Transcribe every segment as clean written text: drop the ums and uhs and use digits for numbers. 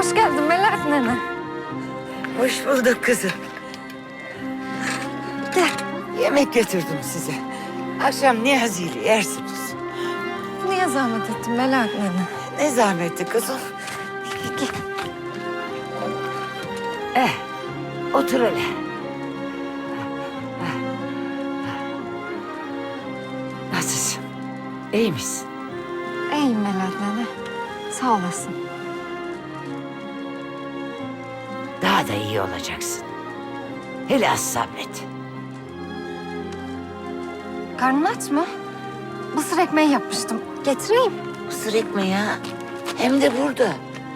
Hoş geldin Melahat nene. Hoş bulduk kızım. Gel, yemek getirdim size. Akşam Niyazi ile yersiniz. Niye zahmet ettin Melahat nene? Ne zahmeti kızım. Gel. Otur hele. Nasılsın? İyi misin? İyiyim Melahat nene. Sağ olasın. Daha da iyi olacaksın. Hele az sabret. Karnın aç mı? Mısır ekmeği yapmıştım. Getireyim. Mısır ekmeği ha. Hem de burada.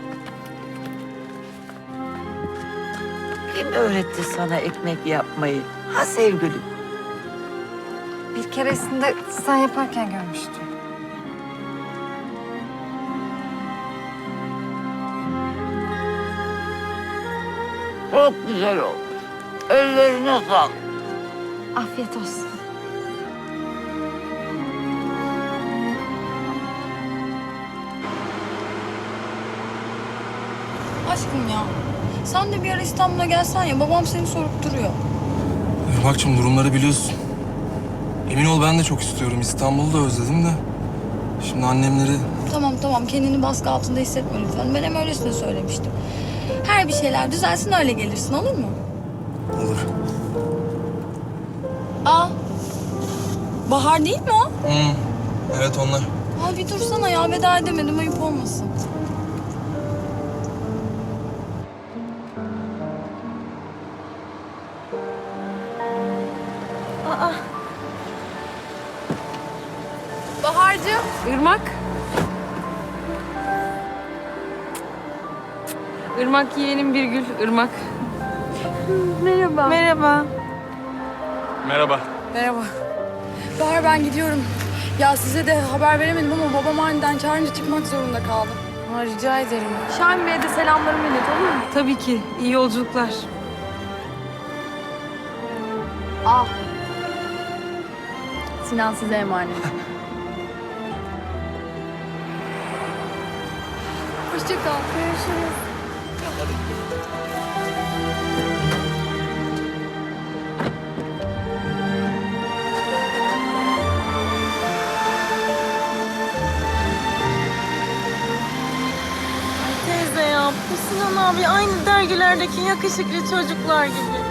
Kim öğretti sana ekmek yapmayı? Ha sevgilim? Bir keresinde sen yaparken görmüştüm. Çok güzel oldu. Ellerine sağlık. Afiyet olsun. Aşkım ya, sen de bir ara İstanbul'a gelsen ya, babam seni sorup duruyor. Irmak'cığım durumları biliyorsun. Emin ol ben de çok istiyorum. İstanbul'u da özledim de. Şimdi annemleri... Tamam, kendini baskı altında hissetme lütfen. Ben hem öylesine söylemiştim. Her bir şeyler düzelsin, öyle gelirsin, olur mu? Olur. Aa, Bahar değil mi o? Evet onlar. Aa, bir dursana ya, veda edemedim, ayıp olmasın. Bahar'cığım. Irmak. Irmak yeğenim Birgül, Irmak. Merhaba. Merhaba. Merhaba. Merhaba. Bahar, ben gidiyorum. Ya size de haber veremedim ama babam aniden çağırınca çıkmak zorunda kaldım. Ha, rica ederim. Şahin Bey'e de selamlarımı ilet, olur mu? Tabii ki. İyi yolculuklar. Sinan size emanet. Hoşça kal. Görüşürüz. Teyze ya, bu Sinan abi aynı dergilerdeki yakışıklı çocuklar gibi.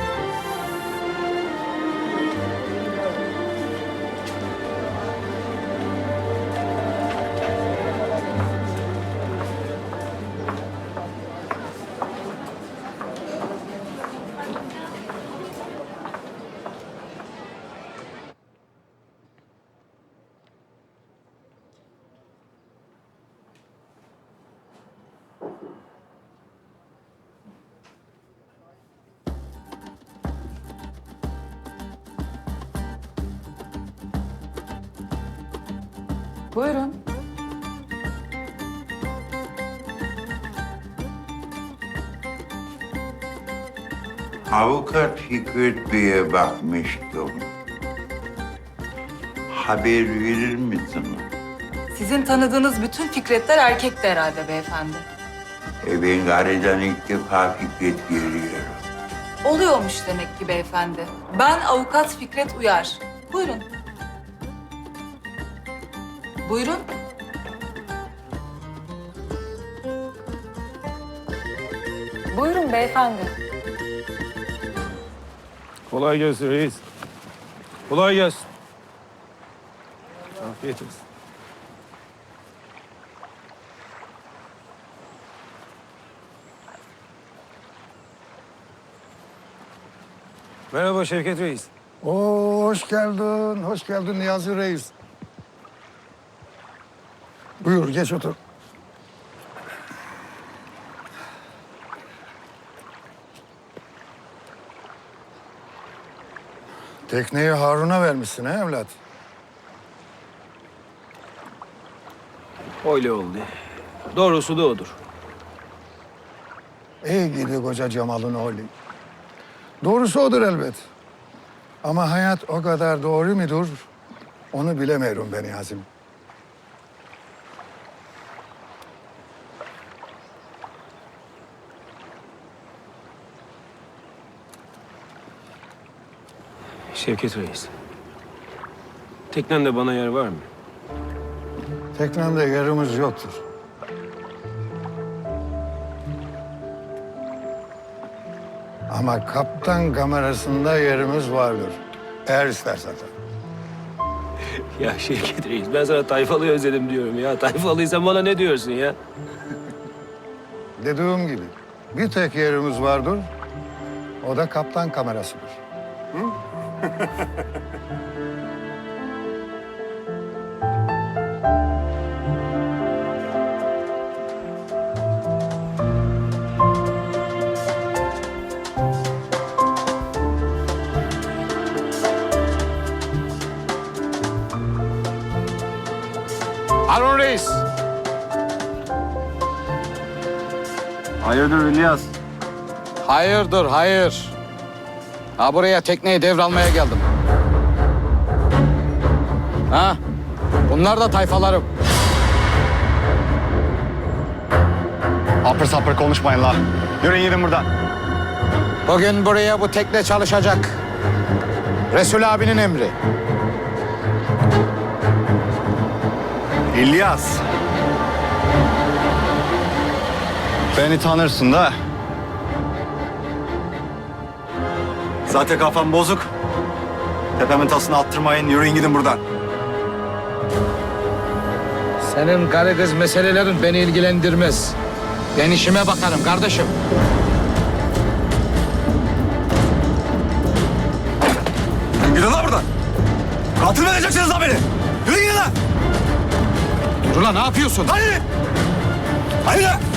Buyurun. Avukat Fikret Bey'e bakmıştım. Haber verir misin? Sizin tanıdığınız bütün Fikretler erkekti herhalde beyefendi. Ben aradan ilk defa Fikret görüyorum. Oluyormuş demek ki beyefendi. Ben avukat Fikret Uyar. Buyurun. Buyurun. Buyurun beyefendi. Kolay gelsin reis. Kolay gelsin. Afiyet olsun. Merhaba Şevket Reis. Oo, hoş geldin Niyazi Reis. Buyur, geç otur. Tekneyi Harun'a vermişsin ha evlat? Öyle oldu. Doğrusu da odur. İyi gidi koca Cemal'ın oğlu. Doğrusu odur elbet. Ama hayat o kadar doğru mudur? Onu bilemiyorum ben Niyazi'm. Şevket Reis. Teknende bana yer var mı? Teknemde yerimiz yoktur. Ama kaptan kamerasında yerimiz vardır. Eğer istersen tabii. Ya Şevket Reis, ben sana Tayfalı'yı özledim diyorum ya. Tayfalıysan bana ne diyorsun ya? Dediğim gibi bir tek yerimiz vardır. O da kaptan kamerasıdır. Harun Reis. Hayırdır İlyas? Hayırdır, hayır. Ha buraya tekneyi devralmaya geldim. Ha? Bunlar da tayfalarım. Apır sapır konuşmayın la. Yürüyün gidin buradan. Bugün buraya bu tekne çalışacak. Resul abinin emri. İlyas. Beni tanırsın da. Zaten kafam bozuk. Tepemin tasını attırmayın. Yürüyün gidin buradan. Senin karı kız meselelerin beni ilgilendirmez. Ben işime bakarım kardeşim. Gidin lan buradan. Katil mi edeceksiniz lan beni? Yürüyün gidin lan. Dur lan, ne yapıyorsun? Hadi. Hadi lan.